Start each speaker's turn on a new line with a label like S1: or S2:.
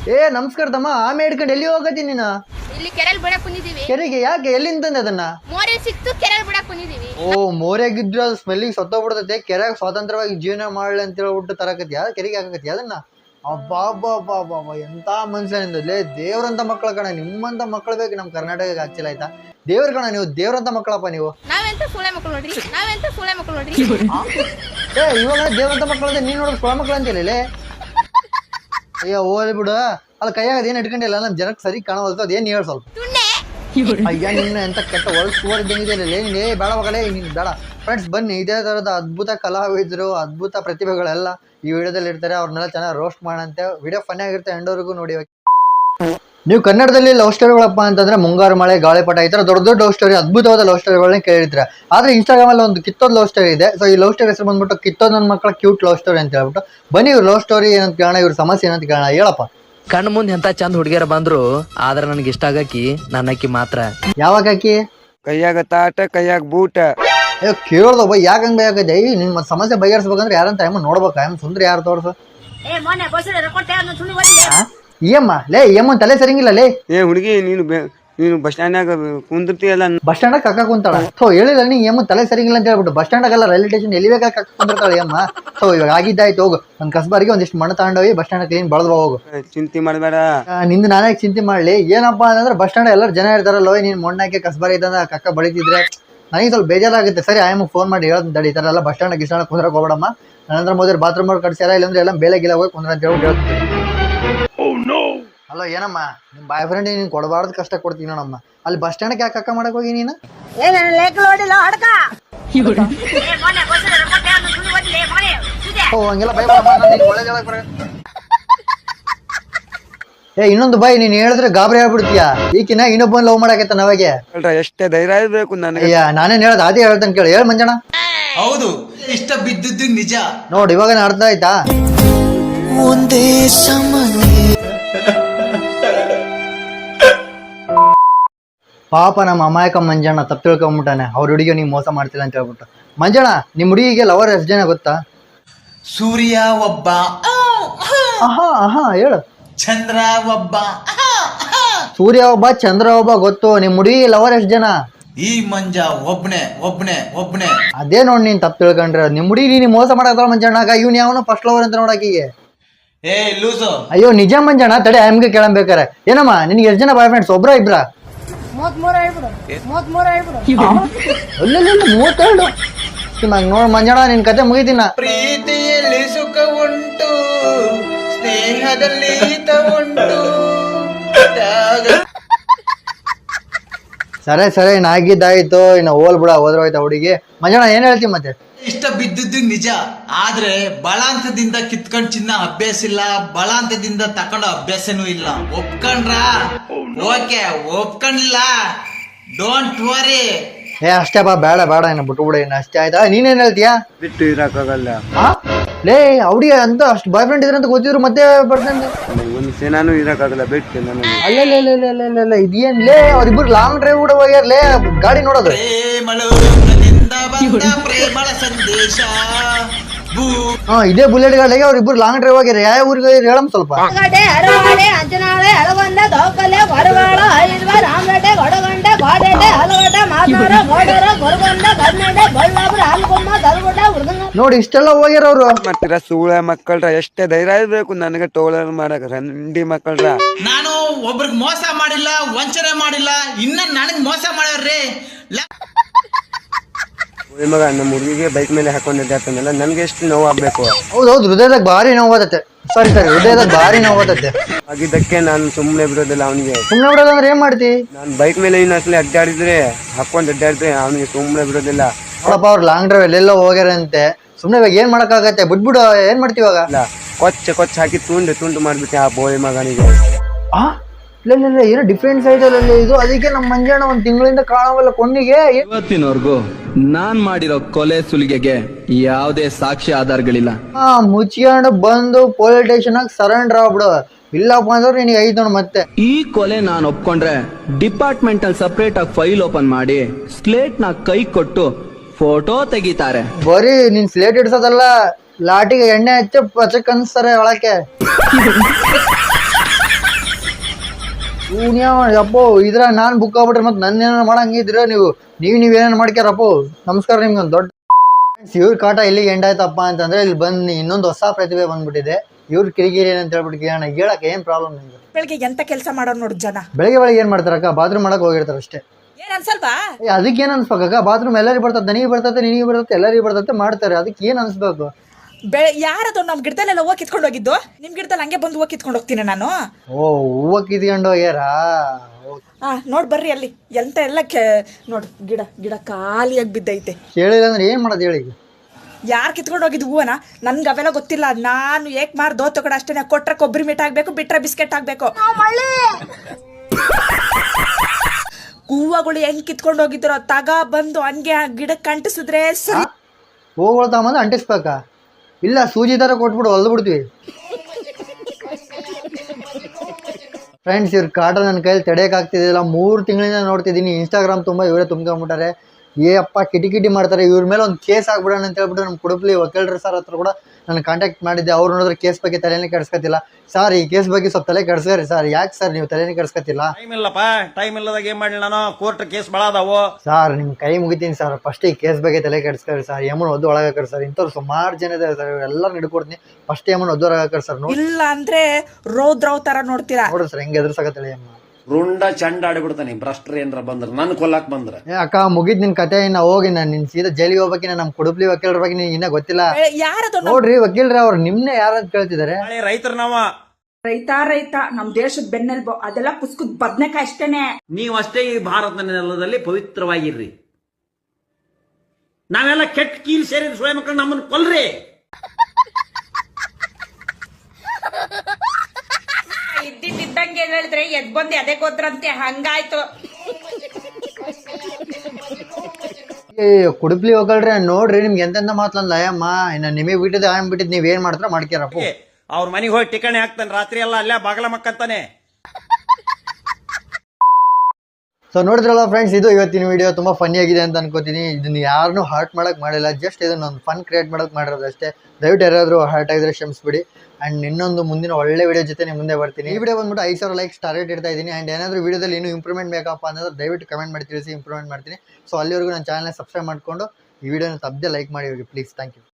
S1: ನಮಸ್ಕಾರ ತಮ್ಮ. ಆಮೆ ಹಿಡ್ಕೊಂಡು ಎಲ್ಲಿ ಹೋಗತ್ತಿ ನೀನು?
S2: ಇಲ್ಲಿ ಕೆರೆಲ್ ಬಿಡಕ್ ಬಂದಿದೀವಿ.
S1: ಕೆರೆಗೆ ಯಾಕೆ? ಎಲ್ಲಿಂದ ತಂದೆ ಅದನ್ನ?
S2: ಮೋರೆ ಸಿಕ್ತು, ಕೆರೆಲ್ ಬಿಡಕ್ ಬಂದಿದೀವಿ.
S1: ಮೋರೆಗಿದ್ರು ಅದು ಸ್ಮೆಲ್ಲಿಗೆ ಸತ್ತೋಗ್ಬಿಡ್ತೈತೆ. ಕೆರೆಗೆ ಸ್ವತಂತ್ರವಾಗಿ ಜೀವನ ಮಾಡ್ಲಿ ಅಂತ ಹೇಳ್ಬಿಟ್ಟು ತರಕತ್ತೀಯ, ಕೆರೆಗೆ ಹಾಕಕತ್ತೀಯ ಅದನ್ನ? ಅಬ್ಬಾ ಎಂತ ಮನುಷ್ಯನಿಂದಲೇ. ದೇವ್ರಂತ ಮಕ್ಕಳ ಕಣ, ನಿಮ್ಮಂತ ಮಕ್ಕಳು ಬೇಕು ನಮ್ಮ ಕರ್ನಾಟಕಕ್ಕೆ. ಹಚ್ಚಿಲ್ಲ ಆಯ್ತಾ? ದೇವ್ರ ಕಣ ನೀವು, ದೇವ್ರಂತ ಮಕ್ಕಳಪ್ಪ ನೀವು.
S2: ನಾವೆಂತ ಸೂಳೆ ಮಕ್ಕಳು ನೋಡ್ರಿ.
S1: ಇವಾಗ ದೇವ್ರಂತ ಮಕ್ಕಳು ಅಂದ್ರೆ ನೀನ್ ನೋಡೋದು ಸೊಳ ಮಕ್ಕಳು ಅಂತಿಲ್ಲ. ಅಯ್ಯೋ ಹೋಗ್ಲಿ ಬಿಡು. ಅಲ್ಲಿ ಕೈಯಾಗ ಏನ್ ಇಟ್ಕೊಂಡಿಲ್ಲ, ನಮ್ ಜನಕ್ಕೆ ಸರಿ ಕಾಣವಲ್ತು. ಅದೇನ್ ಹೇಳ ಸ್ವಲ್ಪ. ಅಯ್ಯ ನಿನ್ನ ಎಂತ ಕೆಟ್ಟ ಒಳಗೆ ಸುವರ್ ಇದ್ದಂಗಿದೆ ನಿನ್ಗೆ. ಬೇಡ ಮಗಳೇ, ನೀನು ಬೇಡ. ಫ್ರೆಂಡ್ಸ್ ಬನ್ನಿ, ಇದೇ ತರದ ಅದ್ಭುತ ಕಲಾವಿದರು, ಅದ್ಭುತ ಪ್ರತಿಭೆಗಳೆಲ್ಲ ಈ ವಿಡಿಯೋದಲ್ಲಿ ಇರ್ತಾರೆ. ಅವ್ರನ್ನೆಲ್ಲ ಚೆನ್ನಾಗಿ ರೋಸ್ಟ್ ಮಾಡಂತೆ. ವಿಡಿಯೋ ಫನ್ ಆಗಿರುತ್ತೆ, ಎಂಡವರೆಗೂ ನೋಡಿ. ನೀವು ಕನ್ನಡದಲ್ಲಿ ಲವ್ ಸ್ಟೋರಿಗಳಪ್ಪ ಅಂತಂದ್ರೆ ಮುಂಗಾರು ಮಳೆ, ಗಾಳಿಪಟ, ಈ ತರ ದೊಡ್ಡ ದೊಡ್ಡ ಲವ್ ಸ್ಟೋರಿ, ಅದ್ಭುತವಾದ ಲವ್ ಸ್ಟೋರಿಗಳನ್ನ ಕೇಳಿರ್ತೀರ. ಆದ್ರೆ ಇನ್ಸ್ಟಾಗ್ರಾಮ್ ಅಲ್ಲಿ ಒಂದು ಕಿತ್ತೋದ್ ಲವ್ ಸ್ಟೋರಿ ಇದೆ. ಸೊ ಈ ಲವ್ ಸ್ಟೋರಿ ಹೆಸರು ಬಂದ್ಬಿಟ್ಟು ಕಿತ್ತೋದ್ ನನ್ನ ಮಕ್ಕಳ ಕ್ಯೂಟ್ ಲವ್ ಸ್ಟೋರಿ ಅಂತ ಹೇಳ್ಬಿಟ್ಟು. ಬನ್ನಿ ಇವ್ರ ಲವ್ ಸ್ಟೋರಿ ಏನಂತ ಕೇಳೋಣ, ಇವ್ರ ಸಮಸ್ಯೆ ಏನಂತ ಕೇಳೋಣ. ಹೇಳಪ್ಪ.
S3: ಕಣ್ಣು ಮುಂದೆ ಎಂತ ಚಂದ ಹುಡುಗಿಯರ ಬಂದ್ರು, ಆದ್ರೆ ನನಗೆ ಇಷ್ಟ ಆಗಕ್ಕಿ ನನ್ನಕ್ಕಿ ಮಾತ್ರ.
S1: ಯಾವಾಗ ಹಾಕಿ?
S4: ಕೈಯಾಗ ತಾಟ, ಕೈಯಾಗ ಬೂಟ.
S1: ಅಯ್ಯೋ ಕೇಳ್ದ ಬೈ, ಯಾಕಂಗ್ ಬೇಕಾಗೈತೆ? ನಿಮ್ಮ ಸಮಸ್ಯೆ ಬಗೆಹರಿಸ್ಬೇಕಂದ್ರೆ ಯಾರಂತ ಅಮ್ಮ ನೋಡ್ಬೇಕು. ಅಮ್ಮ ಸುಂದ್ರಿ ಯಾರು ತೋರ್ಸು. ಏಮ್ಮ ಲೇ, ಏಮ್ಮನ್ ತಲೆ ಸರಿಂಗಿಲ್ಲ ಲೇ.
S4: ಹುಡುಗಿ ನೀನು ಬಸ್ ಸ್ಟ್ಯಾಂಡ್ನಾಗ ಕುಂದಿರ್ತೀಯಲ್ಲ.
S1: ಬಸ್ ಸ್ಟ್ಯಾಂಡ್ ಕಕ್ಕ ಕುಂತಾಳ. ಹೇಳಿಲ್ಲ ನೀ ಏಮ್ಮ ತಲೆ ಸರಿಂಗಿಲ್ಲ ಅಂತ ಹೇಳ್ಬಿಟ್ಟು. ಬಸ್ ಸ್ಟ್ಯಾಂಡಾಗಲ್ಲ, ರೈಲ್ವೆ ಸ್ಟೇಷನ್ ಎಲ್ಲಿ ಬೇಕಾ ಕಕ್ಕ ಕುಂದಿರ್ತಾಳೆ ಅಮ್ಮ. ಇವಾಗ ಆಗಿದ್ದಾಯ್ತು, ಹೋಗು. ನನ್ ಕಸ್ಬಾರಿಗೆ ಒಂದಿಷ್ಟು ಮಣ್ಣು ತಗೊಂಡೋಗಿ ಬಸ್ ಸ್ಟ್ಯಾಂಡ್ ಕ್ಲೀನ್ ಬಳದ್ವ ಹೋಗು.
S4: ಚಿಂತೆ ಮಾಡಬೇಡ.
S1: ನಿಂದು ನಾನೇ ಚಿಂತೆ ಮಾಡ್ಲಿ. ಏನಪ್ಪಾ ಅಂತಂದ್ರೆ ಬಸ್ ಸ್ಟ್ಯಾಂಡ್ ಎಲ್ಲರೂ ಜನ ಇರ್ತಾರಲ್ಲ, ನೀನ್ ಮೊಣ್ಣಾಕಿ ಕಸ್ಬಾರಿ ಇದ್ದಂದ್ರೆ ಕಕ್ಕ ಬಳಿತಿದ್ರೆ ನನಗೆ ಸ್ವಲ್ಪ ಬೇಜಾರಾಗುತ್ತೆ. ಸರಿ, ಆಯಮ್ಮ ಫೋನ್ ಮಾಡಿ ಹೇಳ್ತೀನಿ ತಡಿ. ಈ ತರ ಎಲ್ಲ ಬಸ್ ಸ್ಟ್ಯಾಂಡ್ ಗಿಸ್ಟ್ಯಾಂಡ್ ಕುಂದ್ರಕ್ ಹೋಗ್ಬೇಡಮ್ಮ. ನರೇಂದ್ರ ಮೋದಿ ಬಾತ್ರೂಮ್ ಅವ್ರು ಕಟ್ಸ್ಯಾರ, ಇಲ್ಲಾಂದ್ರೆ ಎಲ್ಲ ಬೇಲೆ ಗಿಲ ಹೋಗಿ ಕುಂದ್ರ ಅಂತ ಹೇಳ್ಬಿಟ್ಟು ಹೇಳ್ತೀನಿ. ಅಲ್ಲ ಏನಮ್ಮ, ನಿಮ್ ಬಾಯ್ ಫ್ರೆಂಡ್ ನೀನ್ ಕೊಡಬಾರ್ದು ಕಷ್ಟ ಕೊಡ್ತೀನಿ ನೋಡಮ್ಮ. ಅಲ್ಲಿ ಬಸ್ ಸ್ಟ್ಯಾಂಡ್ ಯಾಕೆ ಕಕ್ಕ ಮಾಡಕ್ ಹೋಗಿ ನೀನು? ಹಂಗೆಲ್ಲ ಬೈ. ಇನ್ನೊಂದು ಬೈ, ನೀನ್ ಹೇಳಿದ್ರೆ ಗಾಬರಿ ಆಗ್ಬಿಡ್ತೀಯ. ಈಕಿನ ಇನ್ನೊಬ್ಬ ಲವ್ ಮಾಡಾಕೈತ ನಾವಾಗೆ.
S4: ಎಷ್ಟೇ ಧೈರ್ಯ ಇರ್ಬೇಕು ನನಗೆ.
S1: ಅಯ್ಯ ನಾನೇನ್ ಹೇಳದ್ ಅದೇ ಹೇಳ್ತಾನೆ ಕೇಳಿ. ಹೇಳ ಮಂಜಣ್ಣ.
S5: ಹೌದು, ಇಷ್ಟ ಬಿದ್ದದ್ದು ನಿಜ.
S1: ನೋಡಿ ಇವಾಗ ಅರ್ಥ ಆಯ್ತಾ? ಒಂದೇ ಪಾಪ ನಮ್ಮ ಅಮಾಯಕ ಮಂಜಣ್ಣ ತಪ್ಪು ತಿಳ್ಕೊಂಬಿಟ್ಟಾನೆ. ಅವ್ರ ಹುಡುಗಿ ನೀವ್ ಮೋಸ ಮಾಡ್ತಿಲ್ಲ ಅಂತ ಹೇಳ್ಬಿಟ್ಟು. ಮಂಜಣ್ಣ, ನಿಮ್ ಹುಡುಗಿಗೆ ಲವರ್ ಎಷ್ಟು ಜನ ಗೊತ್ತಾ?
S5: ಸೂರ್ಯ ಒಬ್ಬ,
S1: ಹೇಳು.
S5: ಚಂದ್ರ ಒಬ್ಬ.
S1: ಸೂರ್ಯ ಒಬ್ಬ, ಚಂದ್ರ ಒಬ್ಬ ಗೊತ್ತು. ನಿಮ್ ಹುಡುಗಿ ಲವರ್ ಎಷ್ಟು ಜನ?
S5: ಈ ಮಂಜ ಒಬ್ನೇ.
S1: ಅದೇ ನೋಡಿ ನೀನ್ ತಪ್ಪು ತಿಳ್ಕೊಂಡ್ರೆ. ನಿಮ್ ಹುಡುಗಿ ನೀನ್ ಮೋಸ ಮಾಡಾಕಲ್ಲ ಮಂಜಣ್ಣಾಗ. ಇವ್ನ ಯಾವನ ಫಸ್ಟ್ ಲವರ್ ಅಂತ ನೋಡಾಕಿಗೆ.
S5: ಲೂಸು.
S1: ಅಯ್ಯೋ ನಿಜ ಮಂಜಣ್ಣ, ತಡೆ ಆಮ್ಗೆ ಕೇಳಬೇಕಾರೆ. ಏನಮ್ಮ ನಿನ್ಗೆ ಎಷ್ಟು ಜನ ಬಾಯ್ ಫ್ರೆಂಡ್ಸ್? ಒಬ್ರ ಇಬ್ರ? 32. ನೋಡ್ ಮಂಜಣ್ಣ, ನಿನ್ ಕತೆ ಮುಗಿತೀನ.
S5: ಪ್ರೀತಿಯಲ್ಲಿ ಸುಖ ಉಂಟು, ಸ್ನೇಹದಲ್ಲಿ ಹಿತ ಉಂಟು.
S1: ಸರಿ ನಾಗಿದ್ದಾಯ್ತು. ಇನ್ನು ಹೋಲ್ ಬಿಡ, ಹೋದ್ರೋಯ್ತಾ ಹುಡುಗಿ. ಮಂಜಣ್ಣ ಏನ್ ಹೇಳ್ತಿ ಮತ್ತೆ?
S5: ಇಷ್ಟ ಬಿದ್ದದ್ದು ನಿಜ, ಆದ್ರೆ ಬಲಾಂತದಿಂದ ಕಿತ್ಕೊಂಡ್ ಚಿನ್ನ ಅಭ್ಯಾಸ ಇಲ್ಲ, ಬಲಾಂತದಿಂದ ತಕೊಂಡ ಅಭ್ಯಾಸನೂ ಇಲ್ಲ. ಒಪ್ಕೊಂಡ್ರ ಓಕೆ, ಒಪ್ಕೊಂಡಿಲ್ಲ ಡೋಂಟ್ ವರಿ.
S1: ಅಷ್ಟೇ ಬಾ, ಬೇಡ ಇನ್ನು ಬಿಟ್ಬಿಡ. ಇನ್ನು ಅಷ್ಟೇ ಆಯ್ತಾ? ನೀನೇನ್ ಹೇಳ್ತೀಯಾ?
S4: ಬಿಟ್ಟು ಇರಕ್ಕಾಗಲ್ಲ.
S1: ಲೇ ಅವ್ರಿಗೆ ಅಂತ ಅಷ್ಟು ಬಾಯ್ ಫ್ರೆಂಡ್ ಇದ್ರಂತ ಗೊತ್ತಿದ್ರು ಮತ್ತೆ ಬರ್ತಾನೆ.
S4: ಒಂದು ಸೆನಾನು ಇರಕ್ಕಾಗಲ್ಲ, ಬಿಟ್ಟು ನನಗೆ.
S1: ಅಲ್ಲ ಇದೇನ್ ಲೇ, ಅವ್ರಿಬ್ರು ಲಾಂಗ್ ಡ್ರೈವ್ ಕೂಡ ಹೋಗ್ಯಾರ್ಲೇ, ಗಾಡಿ ನೋಡೋದು.
S5: ಪ್ರೇಮಳ ಸಂದೇಶ.
S1: ಇದೇ ಬುಲೆಟ್ ಗಾಡಿಗೆ ಅವ್ರಿಬ್ರು ಲಾಂಗ್ ಡ್ರೈವ್ ಆಗ್ಯಾರ. ಯಾವ ಊರಿಗೆ ಹೇಳಮ್ ಸ್ವಲ್ಪ. ನೋಡಿ ಇಷ್ಟೆಲ್ಲ ಹೋಗ್ಯಾರ ಅವ್ರು.
S4: ಮಾಡ್ತೀರ ಸೂಳ ಮಕ್ಕಳ್ರ, ಎಷ್ಟೇ ಧೈರ್ಯ ಇರ್ಬೇಕು ನನಗೆ ಟೋಳ ಮಾಡಕ್. ರಂಡಿ ಮಕ್ಕಳ್ರ,
S5: ನಾನು ಒಬ್ರಿಗೆ ಮೋಸ ಮಾಡಿಲ್ಲ, ವಂಚನೆ ಮಾಡಿಲ್ಲ, ಇನ್ನ ನನಗ್ ಮೋಸ ಮಾಡ್ಯಾರ್ರಿ.
S4: ಮಗ ನಮ್ಮ ಹುಡುಗಿಗೆ ಬೈಕ್ ಮೇಲೆ ಹಾಕೊಂಡು ಅಡ್ಡಾಡ್ತಾನಲ್ಲ, ನನ್ಗೆ ಎಷ್ಟು ನೋವು ಆಗ್ಬೇಕು.
S1: ಹೌದೌದು, ಹೃದಯದಾಗ ಭಾರಿ ನೋವಾದತ್ತೆ. ಸರಿ ಹೃದಯದಾಗ ಭಾರಿ ನೋವಾದತ್ತೆ.
S4: ಆಗಿದ್ದಕ್ಕೆ ನಾನು ಸುಮ್ಮನೆ ಬಿಡೋದಿಲ್ಲ ಅವನಿಗೆ.
S1: ಸುಮ್ಮನೆ ಬಿಡೋದಂದ್ರೆ ಏನ್ ಮಾಡ್ತಿ?
S4: ನಾನು ಬೈಕ್ ಮೇಲೆ ಇನ್ನೊಂದ್ಸಲ ಅಡ್ಡಾಡಿದ್ರೆ, ಹಾಕೊಂಡು ಅಡ್ಡಾಡಿದ್ರೆ ಅವನಿಗೆ ಸುಮ್ಮನೆ ಬಿಡೋದಿಲ್ಲ.
S1: ನೋಡಪ್ಪ, ಅವ್ರು ಲಾಂಗ್ ಡ್ರೈವ್ ಎಲ್ಲೆಲ್ಲೋ ಹೋಗ್ಯಾರಂತೆ. ಸುಮ್ಮನೆ ಇವಾಗ ಏನ್ ಮಾಡಕ್ಕಾಗತ್ತೆ? ಬಿಟ್ಬಿಡು. ಏನ್ ಮಾಡ್ತೀವಾಗ?
S4: ಕೊಚ್ಚ ಹಾಕಿ ತುಂಡು ಮಾಡ್ಬಿಟ್ಟೆ ಆ ಬೋಯ್ ಮಗನಿಗೆ.
S1: ಏನೋ ಡಿಫ್ರೆನ್ಸ್ ಐತಲ್ಲ ಇದು. ಅದಕ್ಕೆ ನಮ್ಮ ಮಂಜಣ್ಣ ಒಂದ್ ತಿಂಗಳಿಂದ ಕಾಣವಲ್ಲ ಕೊಂಡಿಗೆ.
S6: ಇವತ್ತಿನವರೆಗೂ ನಾನ್ ಮಾಡಿರೋ ಕೊಲೆ ಸುಲಿಗೆಗೆ ಯಾವುದೇ ಸಾಕ್ಷಿ ಆಧಾರಗಳಿಲ್ಲ.
S1: ಮುಚ್ಕೊಂಡು ಬಂದು ಪೊಲೀಸ್ ಸ್ಟೇಷನ್ ಆಗಿ ಸರೆಂಡರ್ ಆಗ್ಬಿಡು. ಇಲ್ಲಪ್ಪ ಅಂದ್ರೆ ನಿನಗೆ ಐದು ನೋಡು ಮತ್ತೆ.
S6: ಈ ಕೊಲೆ ನಾನು ಒಪ್ಕೊಂಡ್ರೆ ಡಿಪಾರ್ಟ್ಮೆಂಟ್ ಅಲ್ಲಿ ಸಪರೇಟ್ ಆಗಿ ಫೈಲ್ ಓಪನ್ ಮಾಡಿ ಸ್ಲೇಟ್ ನ ಕೈ ಕೊಟ್ಟು ಫೋಟೋ ತೆಗಿತಾರೆ.
S1: ಬರೀ ನೀನ್ ಸ್ಲೇಟ್ ಇಡ್ಸೋದಲ್ಲ, ಲಾಟಿಗೆ ಎಣ್ಣೆ ಹಚ್ಚಿ ಪಚಕ್ ಅನ್ಸ್ತಾರೆ ಒಳಕ್ಕೆ. ಅಪ್ಪೋ ಇದ್ರ ನಾನ್ ಬುಕ್ ಆಗ್ಬಿಟ್ರೆ ಮತ್ತೆ ನನ್ನ ಏನಾರ ಮಾಡಂಗಿದ್ರ ನೀವೇನೇನು ಮಾಡ್ಕ್ಯಾರಪ್ಪೋ. ನಮಸ್ಕಾರ ನಿಮ್ಗೆ ಒಂದು ದೊಡ್ಡ ಇವ್ರ ಕಾಟ ಎಲ್ಲಿಗೆ ಎಂಡ್ ಆಯ್ತಪ್ಪ ಅಂತಂದ್ರೆ ಇಲ್ಲಿ ಬಂದು ಇನ್ನೊಂದು ಹೊಸ ಪ್ರತಿಭೆ ಬಂದ್ಬಿಟ್ಟಿದೆ. ಇವ್ರ ಕಿರಿಕಿರಿ ಏನಂತ ಹೇಳ್ಬಿಟ್ಟು ಕೇಳೋಣ. ಹೇಳಕ್ಕೆ ಏನ್ ಪ್ರಾಬ್ಲಮ್ ನಿಮ್ಗೆ?
S7: ಬೆಳಿಗ್ಗೆ ಎಂತ ಕೆಲಸ ಮಾಡೋರು ನೋಡು ಜನ.
S1: ಬೆಳಗ್ಗೆ ಏನ್ ಮಾಡ್ತಾರಕ್ಕ? ಬಾತ್ರೂಮ್ ಮಾಡಕ್ ಹೋಗಿರ್ತಾರ ಅಷ್ಟೇ.
S7: ಏನ್ ಅನ್ಸಲ್ವಾ?
S1: ಅದಕ್ಕೆ ಏನ್ ಅನ್ಸ್ಬೇಕಕ್ಕ? ಬಾತ್ರೂಮ್ ಎಲ್ಲರಿಗೂ ಬರ್ತದೆ, ನನಗೆ ಬರ್ತದೆ, ನಿನಗೆ ಬರ್ತದೆ, ಎಲ್ಲರಿಗೂ ಬರ್ತದೆ ಮಾಡ್ತಾರೆ. ಅದಕ್ಕೆ ಏನ್ ಅನ್ಸ್ಬೇಕು?
S7: ಯಾರದು ನಮ್ ಗಿಡದಲ್ಲೆಲ್ಲ ಹೂವು ಕಿತ್ಕೊಂಡು ಹೋಗಿದ್ದು? ನಿಮ್ ಗಿಡದಲ್ಲಿ ಹಂಗೆ ಬಂದು ಹೂವು ಕಿತ್ಕೊಂಡು ಹೋಗ್ತೀನಿ ನಾನು.
S1: ಓ ಹೂವ ಕಿತ್ಕೊಂಡು ಹೋಗ್ಯಾರ.
S7: ನೋಡ್ ಬರ್ರಿ ಅಲ್ಲಿ ಎಂತ ಎಲ್ಲ ನೋಡು ಗಿಡ ಖಾಲಿಯಾಗಿ ಬಿದ್ದೈತೆ.
S1: ಕೇಳಿಲ್ಲ ಅಂದ್ರೆ ಏನ್ ಮಾಡೋದು ಹೇಳಿ?
S7: ಯಾರು ಕಿತ್ಕೊಂಡು ಹೋಗಿದ್ದು ಹೂವನ? ನನ್ಗೆ ಅವೆಲ್ಲ ಗೊತ್ತಿಲ್ಲ. ನಾನು ಏಕ್ ಮಾರ್ ದೋತ ಕೂಡ ಅಷ್ಟೇ. ಕೊಟ್ರೆ ಕೊಬ್ಬರಿ ಮೀಟ್ ಆಗ್ಬೇಕು, ಬಿಟ್ರೆ ಬಿಸ್ಕೆಟ್ ಆಗ್ಬೇಕು. ಹೂವಗಳು ಹೆಂಗ್ ಕಿತ್ಕೊಂಡು ಹೋಗಿದ್ರು ತಗ ಬಂದು ಹಂಗೆ ಗಿಡಕ್ಕೆ ಅಂಟಿಸಿದ್ರೆ ಸರಿ.
S1: ಹೂವುಗಳು ತಗೊಂಬಂದು ಅಂಟಿಸ್ಬೇಕಾ? ಇಲ್ಲ ಸೂಜಿ ತರ ಕೊಟ್ಬಿಡು ಹೊಲ್ದು ಬಿಡ್ತೀವಿ. ಫ್ರೆಂಡ್ಸ್ ಇವ್ರ ಕಾಟ ನನ್ನ ಕೈಯಲ್ಲಿ ತಡೆಯೋಕ್ಕಾಗ್ತಿದ್ದಿಲ್ಲ. 3 ತಿಂಗಳಿಂದ ನೋಡ್ತಿದ್ದೀನಿ. ಇನ್ಸ್ಟಾಗ್ರಾಮ್ ತುಂಬ ಇವರೇ ತುಂಬ್ಕೊಂಬಿಟ್ಟಾರೆ. ಅಪ್ಪ ಕಿಟಿ ಮಾಡ್ತಾರೆ. ಇವ್ರ ಮೇಲೆ ಒಂದು ಕೇಸ್ ಆಗ್ಬಿಡೋಣ ಅಂತ ಹೇಳ್ಬಿಟ್ಟು ನಮ್ಮ ಕುಡುಪ್ಲಿ ವಕೀಲರ ಸರ್ ಹತ್ರ ಕೂಡ ನಾನು ಕಾಂಟ್ಯಾಕ್ಟ್ ಮಾಡಿದ್ದೆ. ಅವ್ರು ನೋಡಿದ್ರೆ ಕೇಸ್ ಬಗ್ಗೆ ತಲೆನೇ ಕೆಡ್ಸ್ಕೊತಿಲ್ಲ. ಸರ್ ಈ ಕೇಸ್ ಬಗ್ಗೆ ಸ್ವಲ್ಪ ತಲೆ ಕೆಡ್ಸ್ಕೊರಿ ಸರ್. ಯಾಕೆ ಸರ್ ನೀವು ತಲೆನೇ ಕೆಡ್ಸ್ಕೊತಿಲ್ಲ?
S8: ಟೈಮ್ ಇಲ್ಲದಾಗ ಏನ್ ಮಾಡಲಿ ನಾನು? ಕೋರ್ಟ್ ಕೇಸ್ ಬಳಾದವು
S1: ಸರ್. ನಿಮ್ ಕೈ ಮುಗಿತೀನಿ ಸರ್. ಫಸ್ಟ್ ಈ ಕೇಸ್ ಬಗ್ಗೆ ತಲೆ ಕೆಡ್ಸ್ಕೊರಿ ಸರ್. ಯಮನ್ ಒದ್ದು ಒಳಗಾಕರ್ ಸರ್. ಇಂಥವ್ರು ಸುಮಾರು ಜನ ಇದ್ದಾರೆ ಸರ್. ಎಲ್ಲರೂ ಹಿಡ್ಕೊಡ್ತೀನಿ. ಫಸ್ಟ್ ಯಮನ್ ಒದ್ದು ಒಳಗಾಕರ್ ಸರ್.
S7: ಇಲ್ಲ ಅಂದ್ರೆ ರೌದ್ರವ್ ತರ ನೋಡ್ತೀರಾ
S1: ನೋಡ್ರಿ ಸರ್ ಹೆಂಗೆ ಎದುರ್ಸಕತ್ತಳೆ ಅಮ್ಮ.
S8: ರುಂಡ ಚಂಡ ಆಡಿಬಿಡ್ತಾನೆ ಭ್ರಷ್ಟ್ರ ಏನ್ರ ಬಂದ್ರ ನನ್ ಕೊಲ್ಲಾಕ್ ಬಂದ್ರ.
S1: ಅಕ್ಕ ಮುಗಿದ್ ನಿನ್ ಕತೆ. ಇನ್ನ ಹೋಗಿ ನಾನು ನಿನ್ ಸೀದಾ ಜೈಲಿಗೆ ಹೋಗ್ಬೇಕಿನ. ನಮ್ ಕುಡುಪ್ಲಿ ವಕೀಲರ ಬಗ್ಗೆ ನಿನ್ ಇನ್ನ ಗೊತ್ತಿಲ್ಲ.
S7: ಯಾರದು?
S1: ನೋಡ್ರಿ ವಕೀಲ್ರ ಅವ್ರು ನಿಮ್ನೆ ಯಾರಂತ ಕೇಳ್ತಿದಾರೆ.
S8: ರೈತರ ನಾವ
S7: ರೈತ ನಮ್ ದೇಶದ ಬೆನ್ನೆಲ್ಬು. ಅದೆಲ್ಲ ಪುಸ್ಕುದ್ ಬದ್ನೆಕಾಯಿ ಅಷ್ಟೇನೆ.
S8: ನೀವು ಅಷ್ಟೇ ಈ ಭಾರತ ನೆಲದಲ್ಲಿ ಪವಿತ್ರವಾಗಿರ್ರಿ. ನಾವೆಲ್ಲ ಕೆಟ್ಟ ಕೀಲ್ ಸೇರಿದ ಸುಳೆ ಮಕ್ಕಳು ನಮ್ಮನ್ನ ಕೊಲ್ರಿ.
S7: ಇದ್ದಂಗೆ ಹೇಳಿದ್ರೆ ಎದ್ ಬಂದು ಅದೇ ಗೊತ್ತಂತೆ ಹಂಗಾಯ್ತು.
S1: ಕುಡುಪ್ಲಿ ವಕೀಲ್ರೆ ನೋಡ್ರಿ ನಿಮ್ಗೆ ಎಂತೆಂತ ಮಾತಲ್ಲ ಅಯ್ಯಮ್ಮ. ಇನ್ನ ನಿಮಗೆ ಬಿಟ್ಟಿದ್ದು ಆಯಮ್ ಬಿಟ್ಟಿದ್ ನೀವ್ ಏನ್ ಮಾಡ್ತಾರ ಮಾಡ್ಕ್ಯಾರಪ್ಪ.
S8: ಅವ್ರ ಮನೆಗೆ ಹೋಗಿ ಟಿಕಣಿ ಹಾಕ್ತಾನೆ. ರಾತ್ರಿ ಎಲ್ಲ ಅಲ್ಲೇ ಬಾಗಲ ಮಕ್ಕಂತಾನೆ.
S1: ಸೊ ನೋಡಿದ್ರಲ್ಲ ಫ್ರೆಂಡ್ಸ್, ಇದು ಇವತ್ತಿನ ವಿಡಿಯೋ. ತುಂಬ ಫನ್ನಿ ಆಗಿದೆ ಅಂತ ಅನ್ಕೋತೀನಿ. ಇದನ್ನ ಯಾರನ್ನೂ ಹರ್ಟ್ ಮಾಡಕ್ ಮಾಡಿಲ್ಲ. ಜಸ್ಟ್ ಇದನ್ನ ಒಂದು ಫನ್ ಕ್ರಿಯೇಟ್ ಮಾಡಕ್ ಮಾಡಿರೋದು ಅಷ್ಟೇ. ದಯವಿಟ್ಟು ಯಾರಾದರೂ ಹರ್ಟ್ ಆಗಿದ್ರೆ ಕ್ಷಮಿಸ್ಬಿಡಿ. ಆ್ಯಂಡ್ ಇನ್ನೊಂದು ಮುಂದಿನ ಒಳ್ಳೆ ವಿಡಿಯೋ ಜೊತೆ ನಿಮ್ಮ ಮುಂದೆ ಬರ್ತೀನಿ. ಈ ವಿಡಿಯೋ ಬಂದ್ಬಿಟ್ಟು 5,000 ಲೈಕ್ಸ್ ಟಾರ್ಗೆಟ್ ಇಡ್ತಾ ಇದ್ದೀನಿ. ಆ್ಯಂಡ್ ಏನಾದರೂ ವಿಡಿಯೋದಲ್ಲಿ ಇನ್ನೂ ಇಂಪ್ರೂವ್ಮೆಂಟ್ ಬೇಕಪ್ಪ ಅನ್ನೋದು ದಯವಿಟ್ಟು ಕಮೆಂಟ್ ಮಾಡಿ ತಿಳಿಸಿ. ಇಂಪ್ರೂವ್ಮೆಂಟ್ ಮಾಡ್ತೀನಿ. ಸೊ ಅಲ್ಲಿವರೆಗೂ ನನ್ನ ಚಾನಲ್ನ ಸಬ್ಸ್ಕ್ರೈಬ್ ಮಾಡಿಕೊಂಡು ಈ ವಿಡಿಯೋನ ತಪ್ಪದೆ ಲೈಕ್ ಮಾಡಿ ಹೋಗಿ ಪ್ಲೀಸ್. Thank you.